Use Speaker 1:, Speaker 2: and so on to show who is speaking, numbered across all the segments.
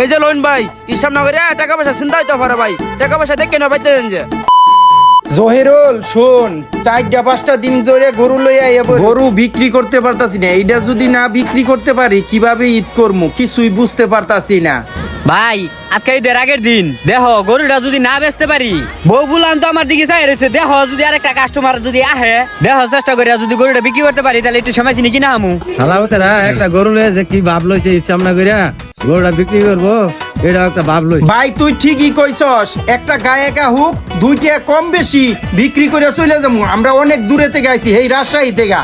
Speaker 1: এই যে লোন ভাই ইসলাম নগরে টাকা পয়সা চিন্তা হইতে পারে ভাই, টাকা পয়সা দেখে না পাইতে যে
Speaker 2: জহিরুল শোন, 4-5টা দিন ধরে গরু লইয়া গরু বিক্রি করতে পারতাছি না। এইটা যদি না বিক্রি করতে পারি কিভাবে ঈদ করবো কিছুই বুঝতে পারতাছি না।
Speaker 3: ভাই আজকে ঈদের আগের দিন দেহ গরুটা যদি না বেচতে পারি, বউ বুলান তো আমার দিকে চাই রয়েছে, দেহ যদি আরেকটা কাস্টমার যদি আহে, দেহ চেষ্টা করে যদি গরুটা বিক্রি করতে পারি তাহলে একটু সময় চিনি কিনা আমু
Speaker 4: হালাবতেরা একটা গরু লয়ে যে কি ভাব লইছে সামনা কইরা গরুটা বিক্রি করবো, এটা একটা ভাব লইছে।
Speaker 2: ভাই তুই ঠিকই কইছস, একটা গায়ে একা হুক 2 টাকা কম বেশি বিক্রি করে চলে যাবো। আমরা অনেক দূরে থেকে আইছি, এই রাজশাহী থেকে।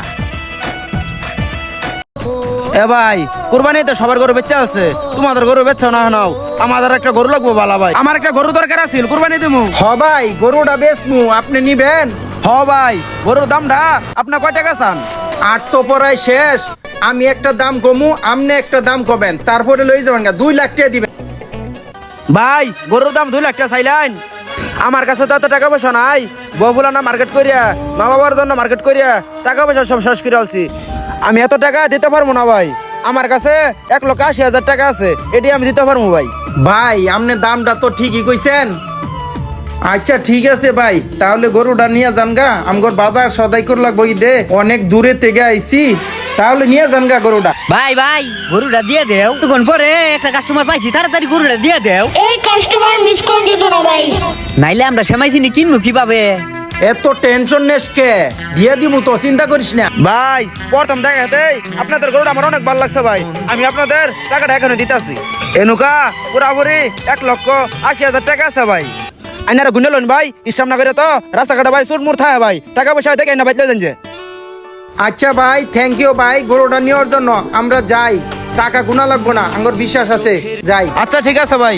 Speaker 1: এ ভাই কুরবানি তো সবার গরু বেচা আছে, তোমাদের গরু বেচছো না নাও, আমাদের একটা গরু লাগবো বালা ভাই, আমার একটা গরু দরকার আছিল কুরবানি দিমু।
Speaker 2: হ ভাই গরুটা বেচমু, আপনি নিবেন?
Speaker 1: হ ভাই গরুর দামটা আপনার কয় টাকা চান?
Speaker 2: 8 তো পড়াই শেষ, আমি একটা দাম কমু, আপনি একটা দাম কবেন, তারপরে লই যাবেন। 2 লাখ টাকা দিবেন।
Speaker 1: ভাই গরুর দাম 2 লাখ টাকা চাইলেন, আমার কাছে তো এত টাকা পয়সা নাই, বউগুলা না মার্কেট করিয়া মা বাবার জন্য মার্কেট করিয়া টাকা পয়সা সব শেষ করে আলছি, আমি এত টাকা দিতে পারবো না ভাই। আমার কাছে 1,80,000 টাকা আছে, এটি আমি দিতে পারবো ভাই।
Speaker 2: ভাই আপনি দামটা তো ঠিকই কইছেন। আচ্ছা ঠিক আছে ভাই, তাহলে গরুটা নিয়ে যান গা, আমগর বাজার সদাই করে লাগবো ঈদে, অনেক দূরে থেকে আইছি, তাহলে নিয়ে যান গা গরুটা।
Speaker 3: ভাই ভাই গরুটা দিয়ে দেও, তখন পরে একটা কাস্টমার পাইছি, তাড়াতাড়ি গরুটা দিয়ে দেও,
Speaker 5: এই কাস্টমার মিস করে দিত না ভাই।
Speaker 3: নাইলে আমরা সময় চিনি কিনবো কিভাবে।
Speaker 2: এত টেনশন নেস কে, দিয়ে দিব তো, চিন্তা করিস না।
Speaker 1: ভাই প্রথম দেখাতে আপনাদের গরুটা আমার অনেক ভালো লাগছে ভাই, আমি আপনাদের টাকাটা এখানে দিতেছি। এনুকা পুরাপুরি 1,80,000 টাকা আছে ভাই। আইনারা গুনে লোন ভাই, ইসলাম নগরে তো রাস্তাঘাটে ভাই চুট মুড় থাকে ভাই, টাকা পয়সা দেখে না বাইতে যে।
Speaker 2: আচ্ছা ভাই থ্যাংক ইউ ভাই, গরুটা নেওয়ার জন্য। আমরা যাই, টাকা গুনা লাগবো না, আমার বিশ্বাস আছে, যাই।
Speaker 1: আচ্ছা ঠিক আছে ভাই।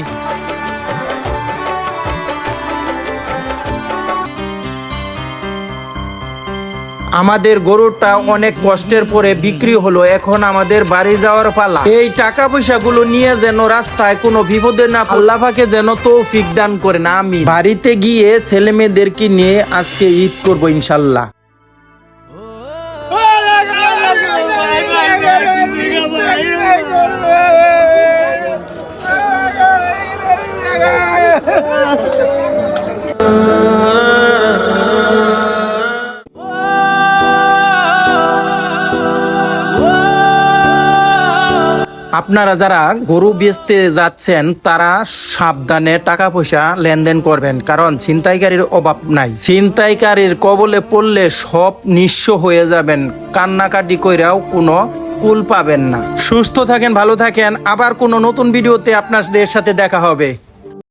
Speaker 2: আমাদের গরুটা অনেক কষ্টের পরে বিক্রি হলো, এখন আমাদের বাড়ি যাওয়ার পালা। এই টাকা পয়সাগুলো নিয়ে যেন রাস্তায় কোনো বিপদে না, আল্লাহ পাকে যেন তৌফিক দান করেন, আমি বাড়িতে গিয়ে ছেলে মেয়েদেরকে নিয়ে আজকে ঈদ করবো ইনশাল্লাহ। আপনারা যারা গরু বেচতে যাচ্ছেন তারা সাবধানে টাকা পয়সা লেনদেন করবেন, কারণ ছিনতাইকারীর অভাব নাই। ছিনতাইকারীর কবলে পড়লে সব নিঃস্ব হয়ে যাবেন, কান্নাকাটি কইরাও কোনো কুল পাবেন না। সুস্থ থাকেন, ভালো থাকেন, আবার কোনো নতুন ভিডিওতে আপনাদের সাথে দেখা হবে।